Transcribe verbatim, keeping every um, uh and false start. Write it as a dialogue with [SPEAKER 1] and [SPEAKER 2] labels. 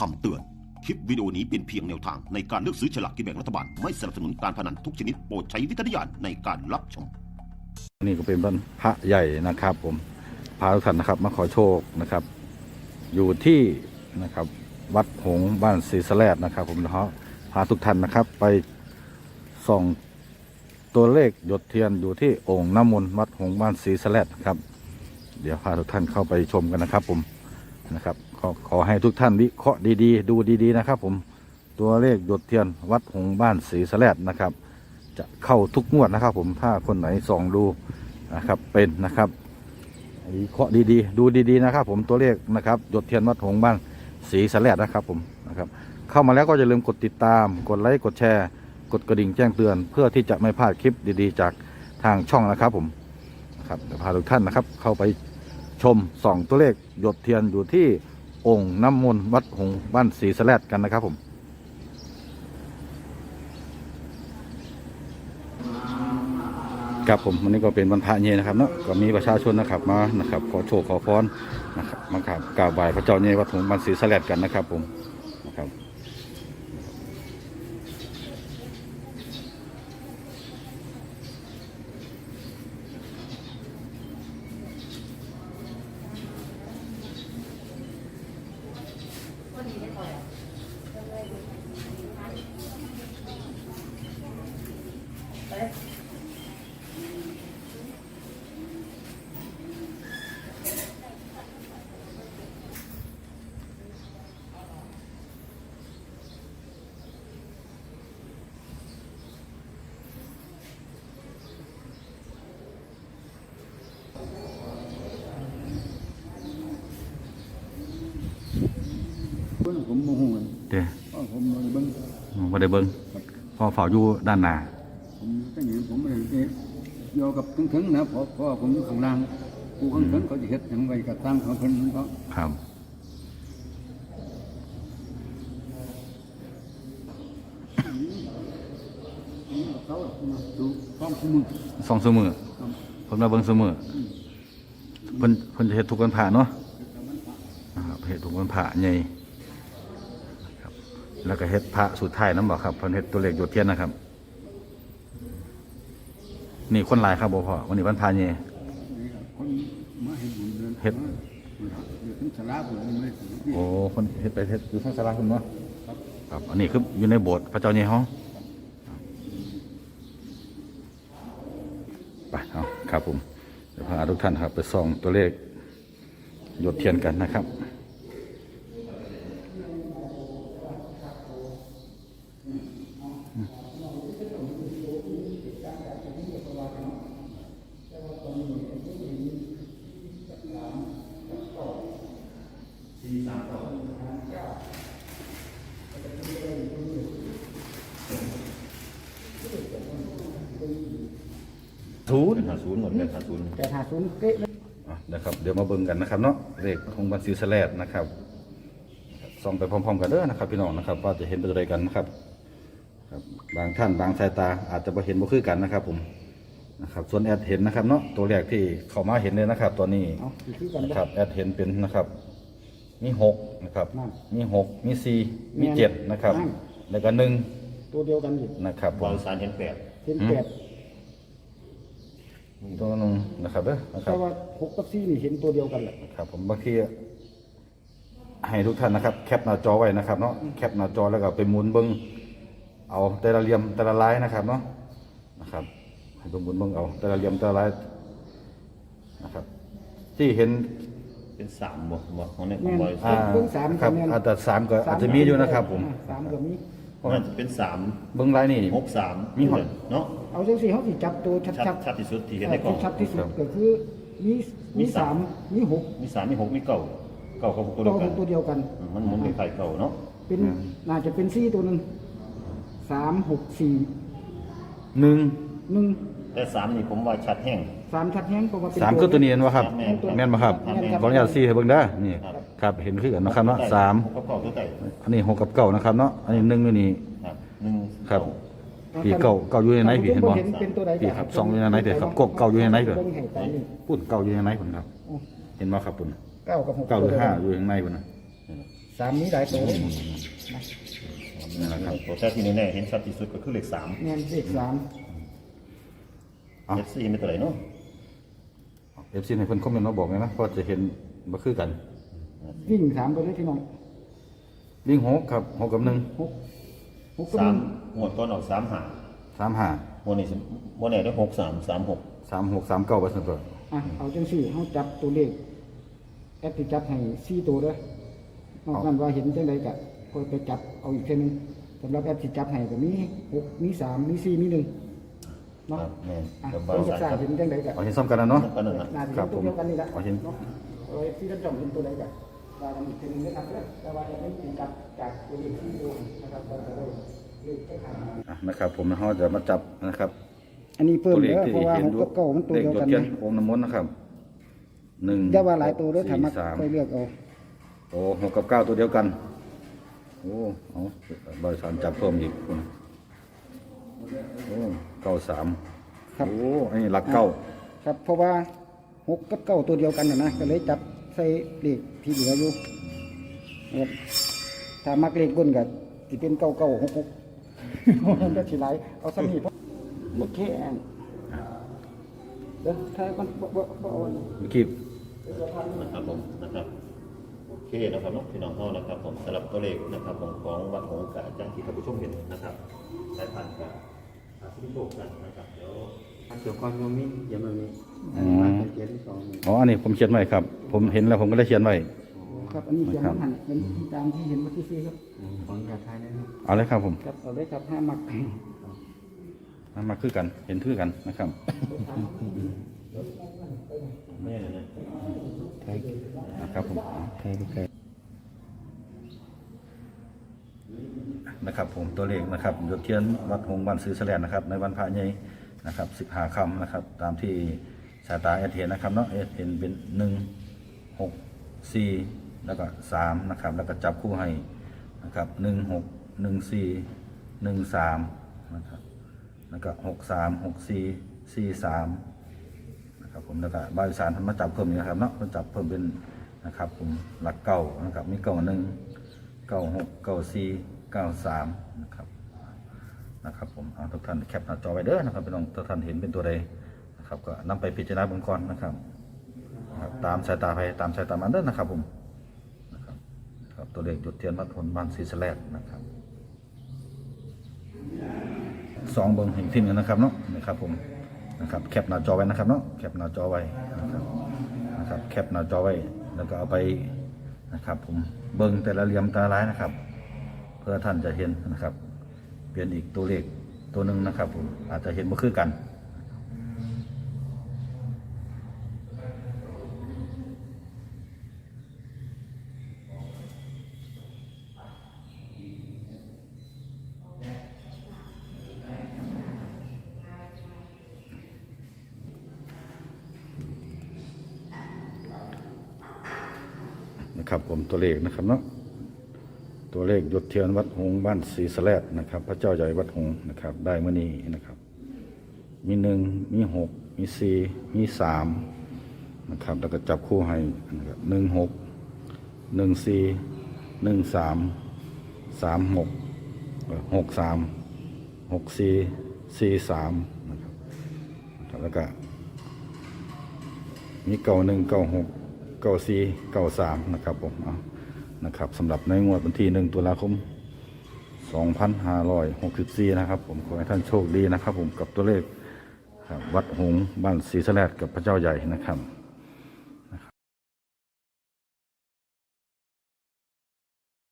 [SPEAKER 1] คำเตือน คลิปวิดีโอนี้เป็นเพียงแนวทางในการเลือกซื้อฉลากกินแบ่งรัฐบาล ไม่สนับสนุนการพนันทุกชนิดโปรดใช้วิจารณญาณในการรับชม
[SPEAKER 2] นี่ก็เป็นบ้านพระใหญ่นะครับผมพาทุกท่านนะครับมาขอโชคนะครับ อยู่ที่นะครับวัดหงส์บ้านศรีสะแลดนะครับ ผมนะฮะพาทุกท่านนะครับ ไปส่องตัวเลขหยดเทียนอยู่ที่โอ่งน้ำมนต์วัดหงส์บ้านศรีสะแลดครับ เดี๋ยวพาทุกท่านเข้าไปชมกันนะครับ ผมนะครับขอขอให้ทุกท่านวิเคราะห์ดีๆดูดีๆนะครับ ผมตัวเลขหยดเทียนวัดหงส์บ้านศรีสะแลดนะครับ จะเข้าทุกงวดนะครับ ผมถ้าคนไหนส่องดูนะครับเป็นนะครับวิเคราะห์ดีๆดูดีๆนะครับ ผมตัวเลขนะครับหยดเทียนวัดหงส์บ้านศรีสะแลดนะครับผมนะครับเข้ามาแล้วก็อย่าลืมกดติดตามกดไลค์กดแชร์กดกระดิ่งแจ้งเตือน เพื่อที่จะไม่พลาดคลิปดีๆ จากทางช่องนะครับผมนะครับเดี๋ยวพาทุกท่านนะครับเข้าไปชมส่องตัวเลขหยดเทียนอยู่ที่องค์น้ำมนต์วัดหงส์บ้านศรีสะแลดกันนะครับผมครับผมวันนี้ก็เป็นวันพระเย็นนะครับเนาะก็มีประชาชนนะครับมานะครับขอโชคขอพรนะครับมากราบกราบไหว้พระเจ้าเย็นวัดหงส์บ้านศรีสะแลดกันนะครับผมนะครับ
[SPEAKER 3] ผมโมโห
[SPEAKER 2] เดี๋ยว
[SPEAKER 3] ผมมาเบิ้ง
[SPEAKER 2] มาได้เบิ้งพอเฝ้าอยู่ด้านหน้า
[SPEAKER 3] ผมตั้งอย่างผมไม่ได้โยกับทั้งทั้งนะเพราะเพราะผมอยู่ข้างล่างกูข้างทั้งเขาจะเฮ็ดอย่างไรกับตั้งของเพิ่นเขา
[SPEAKER 2] ครับ
[SPEAKER 3] เขามาดูฟ้องคู่มือ
[SPEAKER 2] สองเสมอเพิ่นมาเบิ้งเสมอเพิ่นเพิ่นจะเฮ็ดทุกวันพระเนาะนะครับเฮ็ดทุกวันพระใหญ่ครับแล้วก็เฮ็ดพระสุดท้ายนำบ่ครับเพิ่นเฮ็ดตัวเลขหยดเทียนนะครับนี่คนหลายครับบ่พ่อวันนี้วันพระใหญ่
[SPEAKER 3] คนมาเฮ็ดบุญเดิน
[SPEAKER 2] เฮ็ด
[SPEAKER 3] อยู่ทั้งสลาผมไม่ถึง
[SPEAKER 2] โอ้คนเฮ็ดไปเฮ็ดอยู่ทางศาลาคุณเนาะครับอันนี้คืออยู่ในโบสถ์พระเจ้าใหญ่เฮาไปเอาครับผมเดี๋ยวพาทุกท่านครับไปส่องตัวเลขหยดเทียนกันนะครับศูนย์
[SPEAKER 4] หาศูนย์หมดเลยหาศูนย์
[SPEAKER 3] แต่หาศูนย์เป๊ะเลย
[SPEAKER 2] อ่ะนะครับเดี๋ยวมาเบิ่งกันนะครับเนาะเลขของบัญชีสแลดนะครับส่องไปพร้อมๆกันเด้อนะครับพี่น้องนะครับว่าจะเห็นเป็นอะไรกันนะครับครับบางท่านบางสายตาอาจจะบ่เห็นบ่คือกันนะครับผมนะครับส่วนแอดเห็นนะครับเนาะตัวแรกที่เข้ามาเห็นเลยนะครับตัวนี้
[SPEAKER 3] เอาคือกัน
[SPEAKER 2] นะครับแอดเห็นเป็นนะครับมีหกนะครับ
[SPEAKER 3] นั่น
[SPEAKER 2] มีหกมีสี่มีเจ็ดนะครับ
[SPEAKER 3] นั่น
[SPEAKER 2] แล้วก็หนึ่ง
[SPEAKER 3] ตัวเดียวกันอยู่
[SPEAKER 2] นะครับผ
[SPEAKER 4] วาม งสารเห็นแปด
[SPEAKER 3] เห็นแปด
[SPEAKER 2] ตัวนึงนะครับเด้อนะครั
[SPEAKER 3] แต่
[SPEAKER 2] บ
[SPEAKER 3] ว่าหกกับสี่นี่เห็นตัวเดียวกันแหละ
[SPEAKER 2] ครับผมบางทีให้ทุกท่านนะครับแคปหน้าจอไว้นะครับเนาะแคปหน้าจอแล้วก็ไปหมุนเบิ้งเอาแต่ละเหลี่ยมแต่ละลายนะครับเนาะนะครับให้ไปหมุนเบิ้งเอาแต่ละเหลี่ยมแต่ละลายนะครับที่เห็น
[SPEAKER 4] เป็นสามบ่บ่ของในของบริษั
[SPEAKER 2] อ่า
[SPEAKER 4] ท
[SPEAKER 3] เบิ้งสาม
[SPEAKER 2] ครับ
[SPEAKER 3] แม่น
[SPEAKER 2] อาจจะสามก็อาจจะมีอยู่นะครับผม
[SPEAKER 3] สามก็มี
[SPEAKER 4] น่าจะเป็นสาม
[SPEAKER 2] เบิ้งลายนี่
[SPEAKER 4] หกสาม
[SPEAKER 2] มีหอด
[SPEAKER 4] เนาะ
[SPEAKER 3] เอาจังสี่เขาสิจับตัวชัด
[SPEAKER 4] ชัด
[SPEAKER 3] ๆ
[SPEAKER 4] ชัดที่สุดที่เห็นในกล้อง
[SPEAKER 3] ชัดที่สุดก็คือมีมีสามมีหก
[SPEAKER 4] มีสามมีหกมีเก้าเก้ากับหกตัว
[SPEAKER 3] ตั
[SPEAKER 4] เดียว วกัน
[SPEAKER 3] ตัวเดียวกัน
[SPEAKER 4] อืมมันหมุนเป็นไข่เก้าเนาะ
[SPEAKER 3] เป็นน่าจะเป็นซี่ตัวหนึ่งสามหกสี่
[SPEAKER 2] หนึ่ง
[SPEAKER 3] หนึ่ง
[SPEAKER 4] แต่สามนี่ผมว่าชัดแห้ง
[SPEAKER 3] สามชัดแห้งเพราะว่าเป็น
[SPEAKER 2] สามคือตัวนี้เห็นไหมครับ
[SPEAKER 4] แม่นครับ
[SPEAKER 2] แม่นไหมครับ
[SPEAKER 4] แม่นครับ
[SPEAKER 2] ขออนุญาตซี่ให้เบิ้งได้อนี่
[SPEAKER 4] ครับ
[SPEAKER 2] ครับเห็นคือกันนะครับเนาะสาม
[SPEAKER 4] หกกับเก้าตัวใหญ่
[SPEAKER 2] อันนี้หกกับเก้านะครับเนาะอันนี้หนึ่งอยู่นี่
[SPEAKER 4] ครับหนึ่ง
[SPEAKER 2] ครับ ผีเก่าเก่าอยู่ในไหนผีเห็นบ่
[SPEAKER 3] เป็นตัวใด
[SPEAKER 2] ผีครับซองอยู่ในไหนเด้อครับกบเก่าอยู่ในไหนเด้อ
[SPEAKER 3] บิ่งให้ตามนี่
[SPEAKER 2] พูดเก่าอยู่ในไหนพุ่นครับ เห็นบ่ครับพุ่น
[SPEAKER 3] เก้ากับหก
[SPEAKER 2] เก่าหรือห้าอยู่ในไหนพุ่นนะ
[SPEAKER 5] สามนี้หลายตัวเลย
[SPEAKER 2] นะครับ
[SPEAKER 4] ตัวแต่ที่แน่ๆเห็นชัดที่สุดก็คือเลขสาม
[SPEAKER 5] เงินเลขสาม
[SPEAKER 4] เลขสี่ไม่ตัวไหนเนาะ
[SPEAKER 2] เอฟซีในเพิ่นคอมเมนต์มาบอกไงนะเพราะจะเห็นบ่คือกัน
[SPEAKER 5] วิ่งสามตัวเลยพี่น้อง
[SPEAKER 2] วิ่งหกครับหกกับหนึ่ง
[SPEAKER 5] หกหกก็
[SPEAKER 4] สา
[SPEAKER 5] มี
[SPEAKER 4] มหมวดต้นออกสามหา
[SPEAKER 2] สามห้า
[SPEAKER 4] หมวดนี้สิหมวดไหนได้หกสามสามหก
[SPEAKER 2] สามหกสามเก้าเปอร์เซ็นต์ตัว
[SPEAKER 5] อ่ะเอาจังสี่เขาจับตัวเลขแอปที่จับให้สี่ตัวเด้อนอกนั้นว่าเห็นจังใดก็ก็ไปจับเอาอีกเท่านึงสำหรับแอปที่จับให้ก็มีหกมีสามมีสี่มีหนึ่ง
[SPEAKER 4] ค
[SPEAKER 5] เนาะ
[SPEAKER 4] รับแม่น
[SPEAKER 5] อ่ะ
[SPEAKER 4] กับ
[SPEAKER 5] ค
[SPEAKER 4] บาน
[SPEAKER 5] จะ
[SPEAKER 4] สาร
[SPEAKER 5] สร้าง
[SPEAKER 4] ครับ
[SPEAKER 5] เห็นจังใดก็
[SPEAKER 2] เอาเห็นซ้ำกันนะเนาะ
[SPEAKER 4] ก็นั่นนะ
[SPEAKER 5] น่าจะ
[SPEAKER 2] ครั
[SPEAKER 5] เป็
[SPEAKER 2] บ
[SPEAKER 5] นตัวเดียวกันนี่แหละ
[SPEAKER 2] ผมเอาเห็น
[SPEAKER 5] เนาะเอาไว้ที่ท่านจอมเป็นตัวใดก็ว่ากันอีกทีหนึงนะครับเด้อแต่ว่าจะไม่ถึงกับจากตัวเลขที่ดูนะครับเราจะได้เลขจะขาด
[SPEAKER 2] อ่ะนะครับผมนะฮะจะมาจับนะครับ
[SPEAKER 5] อันนี้เพิ่ม
[SPEAKER 2] ตัวเล
[SPEAKER 5] เด้
[SPEAKER 2] ข
[SPEAKER 5] อ
[SPEAKER 2] ที่
[SPEAKER 5] เพราะว่า
[SPEAKER 2] เห็น
[SPEAKER 5] หกกับเก้ามันตัว
[SPEAKER 2] เลข
[SPEAKER 5] เดียว
[SPEAKER 2] หย
[SPEAKER 5] กั
[SPEAKER 2] ด
[SPEAKER 5] น
[SPEAKER 2] เทียน
[SPEAKER 5] นะ
[SPEAKER 2] โอมน้ำมนต์นะครับหนึ่ง
[SPEAKER 5] อย่าว่าหลายตัวเด้อถ้า
[SPEAKER 2] สี่
[SPEAKER 5] มัก
[SPEAKER 2] สาม
[SPEAKER 5] ค่อยเลือกเอา
[SPEAKER 2] โอ้หกกับเก้าตัวเดียวกันโอ้เอาบริษัทจับเพิ่มอีกคุณโอ้เก้าสาม
[SPEAKER 5] ครับ
[SPEAKER 2] โอ้อันนี้หลักเก้า
[SPEAKER 5] ครับเพราะว่าหกกับเก้าตัวเดียวกันนะนะก็เลยจับใส่เลขที่เหลืออยู่ครับถ้ามักเลขบนก็สิเป็นเก้าเก้าหกหกมันก็สิหลายเอาสมีเพราะโอเคอันเดี๋ยวถ้ามันบ่บ่บ่เอาอันนี้
[SPEAKER 2] เมื่อกี้
[SPEAKER 4] นะครับผมนะครับโอเคนะครับเนาะพี่น้องเขานะครับผมสำหรับตัวเลขนะครับผมของวัดหงส์กับอาจารย์ที่ท่านผู้ชมเห็นนะครับสายพันธุ์กับอาสิโลกกันนะครับเดี๋ยว
[SPEAKER 6] เกี่ยวกับตรงนี้เขียนแบบนี้
[SPEAKER 2] อืม
[SPEAKER 6] มาเป็นเขียนที่สองนี่
[SPEAKER 2] อ๋ออันนี้ผมเขียนไว้ครับ ผมเห็นแล้วผมก็ได้เขียนไว้
[SPEAKER 5] ครับอันนี้เขียนน้ำหันเป็นตามที่เห็นเมื่อกี้ครับ
[SPEAKER 6] ของกระทายนะครับ
[SPEAKER 2] เอาเลยครับผม
[SPEAKER 5] ครับเอาเลยครับห้ามัก
[SPEAKER 2] มามาคือกันเห็นคือกันนะครับ
[SPEAKER 4] แม่นะ
[SPEAKER 6] ไทย
[SPEAKER 2] นะครับผม
[SPEAKER 6] ไทยไทย
[SPEAKER 2] นะครับผมตัวเลขนะครับหยดเทียนวัดหงส์บ้านซื้อแสลนนะครับ ในวันพระใหญ่นะครับสิบห้าคำนะครับ ตามที่สายตาเอเห็นนะครับเนาะเอเห็นเป็นหนึ่งหกสี่แล้วก็สามนะครับ แล้วก็จับคู่ให้นะครับหนึ่งหกหนึ่งสี่หนึ่งสามนะครับแล้วก็หกสามหกสี่สี่สามนะครับผมแล้วก็บริษัททำมาจับเพิ่มนี่นะครับเนาะมันจับเพิ่มเป็นนะครับผมหลักเก้านะครับมีเก้าหนึ่งเก้าหกเก้าสี่เก้าสามนะครับนะครับผมเอาทุกท่านแคปหน้าจอไว้เด้อนะครับพี่น้องทุกท่านเห็นเป็นตัวใดนะครับก็นำไปพิจารณาเบื้องก่อนนะครับนะครับตามสายตาไปตามสายตามันเด้อนะครับผมนะครับครับตัวเลขจุดเทียนวัดผลบ้านศรีสะแลดนะครับสองเบิ้งเห็นที่หนึ่งนะครับเนาะนะครับผมนะครับแคปหน้าจอไว้นะครับเนาะแคปหน้าจอไว้นะครับนะครับแคปหน้าจอไว้แล้วก็เอาไปนะครับผมเบิ้งแต่ละเหลี่ยมแต่ละลายนะครับ เพื่อท่านจะเห็นนะครับเปลี่ยนอีกตัวเลขตัวหนึ่งนะครับผมอาจจะเห็นบ่คือกันนะครับผมตัวเลขนะครับเนาะตัวเลขหยดเทียนวัดหงส์บ้านศรีสะแลดนะครับ พระเจ้าใหญ่วัดหงส์นะครับ ได้เมื่อนี้นะครับ มีหนึ่งมีหกมีสี่มีสามนะครับแล้วก็จับคู่ให้นะครับหนึ่งหกหนึ่งสี่หนึ่งสามสามหกหกสามหกสี่สี่สามนะครับแล้วก็มีเก้าหนึ่งเก้าหกเก้าสี่เก้าสามนะครับผมเอานะครับสำหรับในงวดวันที่หนึ่งตุลาคมสองพันห้าร้อยหกสิบสี่นะครับผมขอให้ท่านโชคดีนะครับผมกับตัวเลขวัดหงส์บ้านศรีสะแลดกับพระเจ้าใหญ่นะครับ